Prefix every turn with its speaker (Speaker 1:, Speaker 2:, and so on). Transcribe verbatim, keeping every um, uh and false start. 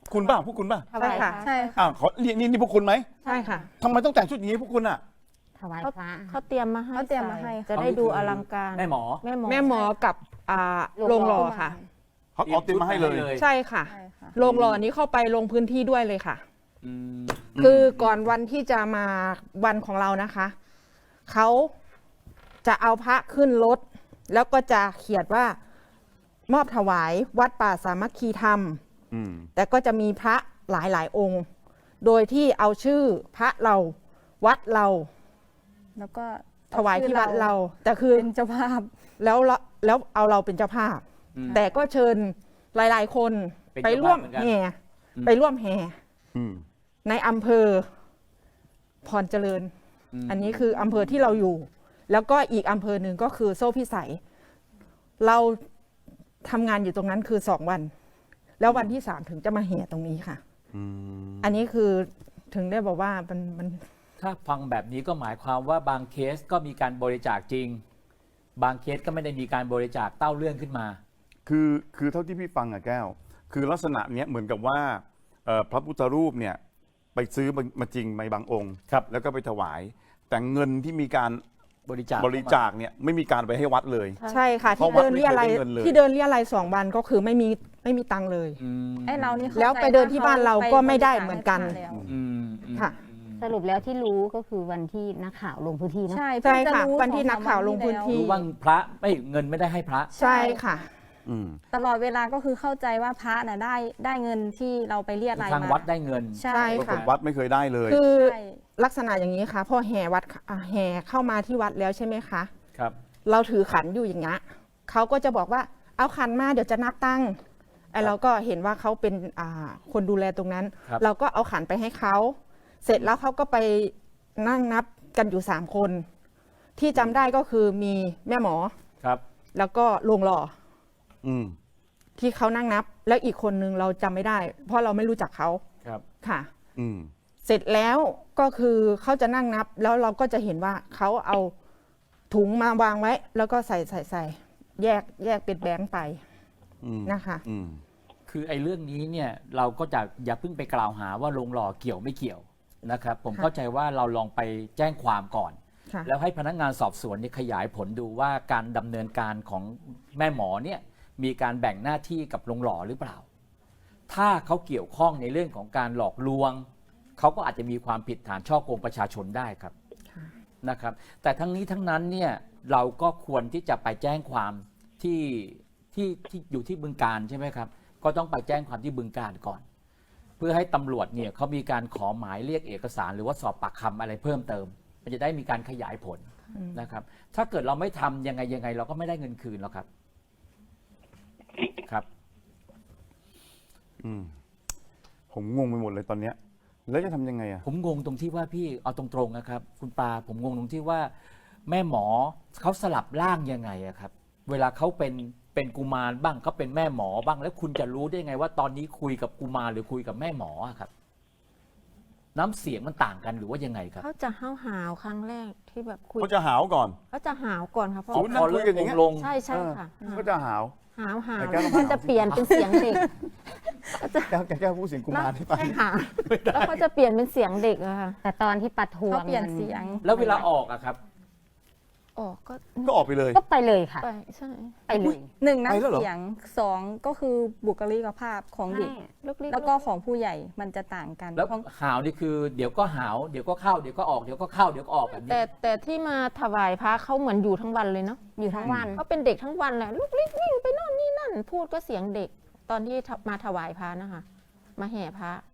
Speaker 1: คุณบ้างพวกคุณบ้าง
Speaker 2: ใช่ค่ะ
Speaker 3: ใช่ค่ะ
Speaker 1: อ้าวขอเรียกนี่นี่พวกคุณไหม
Speaker 2: ใช่ค่ะ
Speaker 1: ทำไมต้องแต่งชุดอย่างนี้พวกคุณอ่ะ
Speaker 4: ถวาย
Speaker 3: เขา
Speaker 4: พระ
Speaker 3: เขาเตรียมมาให้
Speaker 2: เขาเตรียมมาให้
Speaker 3: จะได้ดูอลังการ
Speaker 5: แม่หมอ
Speaker 3: แม่หมอ
Speaker 2: แม่หมอกับอ่าโรงหล่อค่ะ
Speaker 1: เขาเอาเตรียมมาให้เลย
Speaker 2: ใช่ค่ะ
Speaker 3: ใช่ค่ะ
Speaker 2: โรงหล่อนี้เข้าไปลงพื้นที่ด้วยเลยค่ะ
Speaker 5: อืม
Speaker 2: คือก่อนวันที่จะมาวันของเรานะคะเขาจะเอาพระขึ้นรถ แล้วก็จะเขียนว่ามอบถวายวัดป่าสามัคคีธรรม
Speaker 1: อืม
Speaker 2: แต่ก็จะมีพระหลายหลายๆองค์ โดยที่เอาชื่อพระเราวัดเรา
Speaker 3: แล้วก็
Speaker 2: ถวายที่วัดเรา แต่คือ
Speaker 3: เป็นเจ้าภาพ
Speaker 2: แล้วเราแล้วเอาเราเป็นเจ้าภาพ
Speaker 5: อืม
Speaker 2: แต่ก็เชิญหลาย ๆ คน
Speaker 5: เป็น
Speaker 2: ไป
Speaker 5: เจ้าภาพ
Speaker 2: ร่วม
Speaker 5: เหมือนกัน
Speaker 2: แห่
Speaker 5: อืม
Speaker 2: ไปร่วมแห่
Speaker 1: อืม
Speaker 2: ในอำเภอพรเจริญ
Speaker 5: ม
Speaker 2: อันนี้คืออำเภอที่เราอยู่ แล้วก็อีกอำเภอหนึ่งก็คือโซ่พิสัย เราทำงานอยู่ตรงนั้นคือสองวัน แล้ววันที่สามถึงจะมาแห่ตรงนี้ค่ะ
Speaker 1: อืม
Speaker 2: อันนี้คือถึงได้บอกว่ามันมัน
Speaker 5: ถ้าฟังแบบนี้ก็หมายความว่าบางเคสก็มีการบริจาคจริง บางเคสก็ไม่ได้มีการบริจาคเต้าเรื่องขึ้นมา
Speaker 1: คือคือเท่าที่พี่ฟังอะแก้ว คือลักษณะเนี้ยเหมือนกับว่าเอ่อพระพุทธรูปเนี่ยไปซื้อมามาจริงในบางองค์
Speaker 5: ครับ
Speaker 1: แล้วก็ไปถวาย แต่เงินที่มีการ
Speaker 5: บริจาค
Speaker 1: บริจาคเนี่ยไม่มีการไปให้วัดเลย
Speaker 2: ใช่ค่ะ
Speaker 1: เพราะ
Speaker 2: ที่
Speaker 1: วัด
Speaker 2: เดินเรียอะไรย
Speaker 1: ไม่เคยได้เงินเลย
Speaker 2: ที่เดินเรียอะไรยสองวันก็คือไม่มีไม่มีตังค์เลย
Speaker 5: อืม
Speaker 3: ไอ้เรานี่ข้า
Speaker 2: แล้ว
Speaker 3: ใจ
Speaker 2: ไปเดินที่บ้านเราก็
Speaker 3: ป
Speaker 2: ไม่ได้
Speaker 3: บริจาค
Speaker 2: เหมือนกัน
Speaker 3: ให้พระแล้ว
Speaker 5: อืมอืม
Speaker 2: ค่ะ
Speaker 5: อืม
Speaker 4: สรุปแล้วที่รู้ก็คือวันที่นักข่าวลงพื้นที่เนอะ
Speaker 3: ใช่
Speaker 2: ใช่ค่ะ
Speaker 3: เพิ่งจรู้
Speaker 2: วันที่นักข่าวลงพื้นที่
Speaker 5: รู้ว่าพระไม่เงินไม่ได้ให้พระ
Speaker 2: ใช่ค่ะ
Speaker 1: อืม
Speaker 3: ตลอดเวลาก็คือเข้าใจว่าพระน่ะได้ได้เงินที่เราไปเรียกราย
Speaker 5: ทาง
Speaker 3: มา
Speaker 5: วัดได้เงิน
Speaker 3: ใช่
Speaker 2: ใช่
Speaker 1: ปราก
Speaker 2: ค่ะ
Speaker 1: ฏวัดไม่เคยได้เลย
Speaker 2: คือ
Speaker 3: ใช่
Speaker 2: ลักษณะอย่างนี้ค่ะพอแห่วัดอ่าแห่เข้ามาที่วัดแล้วใช่ไหมคะ
Speaker 5: ครับ
Speaker 2: เราถือขันอยู่อย่างเงี้ยเขาก็จะบอกว่าเอาขันมาเดี๋ยวจะนับตั้งไอ้เราก็เห็นว่าเขาเป็นอ่าคนดูแลตรงนั้น
Speaker 5: ครับ
Speaker 2: เราก็เอาขันไปให้เขาเสร็จแล้วเขาก็ไปนั่งนับกันอยู่สามคน ที่จำได้ก็คือมีแม่หมอ
Speaker 5: ครับ
Speaker 2: แล้วก็โรงหล่อ
Speaker 1: อืม
Speaker 2: ที่เขานั่งนับ แล้วอีกคนนึงเราจำไม่ได้ เพราะเราไม่รู้จักเขา
Speaker 5: ครับ
Speaker 2: ค่ะ
Speaker 1: อืม
Speaker 2: เสร็จแล้วก็คือเขาจะนั่งนับ แล้วเราก็จะเห็นว่าเขาเอาถุงมาวางไว้ แล้วก็ใส่ใส่ใส่แยกแยกเป็นแบงค์ไป
Speaker 1: อืม
Speaker 2: นะคะ
Speaker 1: อืม
Speaker 5: คือไอ้เรื่องนี้เนี่ยเราก็จะอย่าเพิ่งไปกล่าวหาว่าโรงหล่อเกี่ยวไม่เกี่ยวนะครับ ผม
Speaker 2: ค่ะ
Speaker 5: เข้าใจว่าเราลองไปแจ้งความก่อน
Speaker 2: ค่ะ
Speaker 5: แล้วให้พนักงานสอบสวนเนี่ยขยายผลดูว่าการดำเนินการของแม่หมอเนี่ยมีการแบ่งหน้าที่กับโรงหล่อหรือเปล่า ถ้าเขาเกี่ยวข้องในเรื่องของการหลอกลวง เขาก็อาจจะมีความผิดฐานช่อโกงประชาชนได้ครับ
Speaker 2: ค่ะ
Speaker 5: นะครับ แต่ทั้งนี้ทั้งนั้นเนี่ยเราก็ควรที่จะไปแจ้งความที่ที่ที่อยู่ที่บึงการใช่ไหมครับ ก็ต้องไปแจ้งความที่บึงการก่อน เพื่อให้ตำรวจเนี่ยเขามีการขอหมายเรียกเอกสาร หรือว่าสอบปากคำอะไรเพิ่มเติม มันจะได้มีการขยายผลนะครับ ถ้าเกิดเราไม่ทำยังไงยังไงเราก็ไม่ได้เงินคืนหรอกครับ ครับ
Speaker 1: อืม ผมงงไปหมดเลยตอนเนี้ย แล้วจะทำยังไงอ่ะ
Speaker 5: ผมงงตรงที่ว่าพี่เอาตรงๆนะครับ คุณปาผมงงตรงที่ว่าแม่หมอเขาสลับร่างยังไงอะครับ เวลาเขาเป็นเป็นกุมารบ้างเขาเป็นแม่หมอบ้าง แล้วคุณจะรู้ได้ไงว่าตอนนี้คุยกับกุมารหรือคุยกับแม่หมออะครับ น้ำเสียงมันต่างกันหรือว่ายังไงครับ
Speaker 3: เขาจะห้าวหาวๆครั้งแรกที่แบบคุย
Speaker 1: เขาจะหาวก่อน
Speaker 3: เขาจะหาวก่อนค่ะเพราะ
Speaker 1: สมมุตินั่งคุยกันอย่างเงี้ย
Speaker 5: ลง
Speaker 3: ใช่ใช่ค่ะ
Speaker 1: เออเขาจะหาว
Speaker 3: หาวหาว
Speaker 1: ไอ้แก้วต้อง
Speaker 4: ก็
Speaker 1: หาว
Speaker 4: จะเปลี่ยนเป็นเสียงเด็ก
Speaker 1: แก้วแก้วแก้วพูดเสียงกุมารให้ไป
Speaker 3: ใช่ค่ะแล้วเขาจะเปลี่ยนเป็นเสียงเด็กอะค่ะ
Speaker 4: แต่ตอนที่ปัดทวง
Speaker 3: เขาเปลี่ยน
Speaker 4: มั
Speaker 3: เสียง
Speaker 5: แล้วเวลาออกอะครับ
Speaker 3: ออกก็
Speaker 1: ก็ออกไปเลย
Speaker 4: ก็ไปเลยค่ะ
Speaker 3: ไปใช่
Speaker 4: ไปเลย
Speaker 3: หนึ่ง
Speaker 1: ไปแล้วเหรอ
Speaker 3: น้ำเสียงสองก็คือบุคลิกภาพของเด็ก
Speaker 4: ลูกๆ
Speaker 3: แล้วก็ของผู้ใหญ่มันจะต่างกัน
Speaker 5: แล้ว
Speaker 3: เพราะ
Speaker 5: หาวนี่คือเดี๋ยวก็หาวเดี๋ยวก็เข้าเดี๋ยวก็ออกเดี๋ยวก็เข้าเดี๋ยวก็ออกแบบนี้
Speaker 3: แต่แต่ที่มาถวายพระเขาเหมือนอยู่ทั้งวันเลยเนาะ
Speaker 4: อยู่ทั้งวัน
Speaker 3: เขาเป็นเด็กทั้งวันแหละลูกลิกวิ่งไปโน่นนี่นั่น พูดก็เสียงเด็ก ตอนที่มาถวายพระนะคะ มาแห่พระ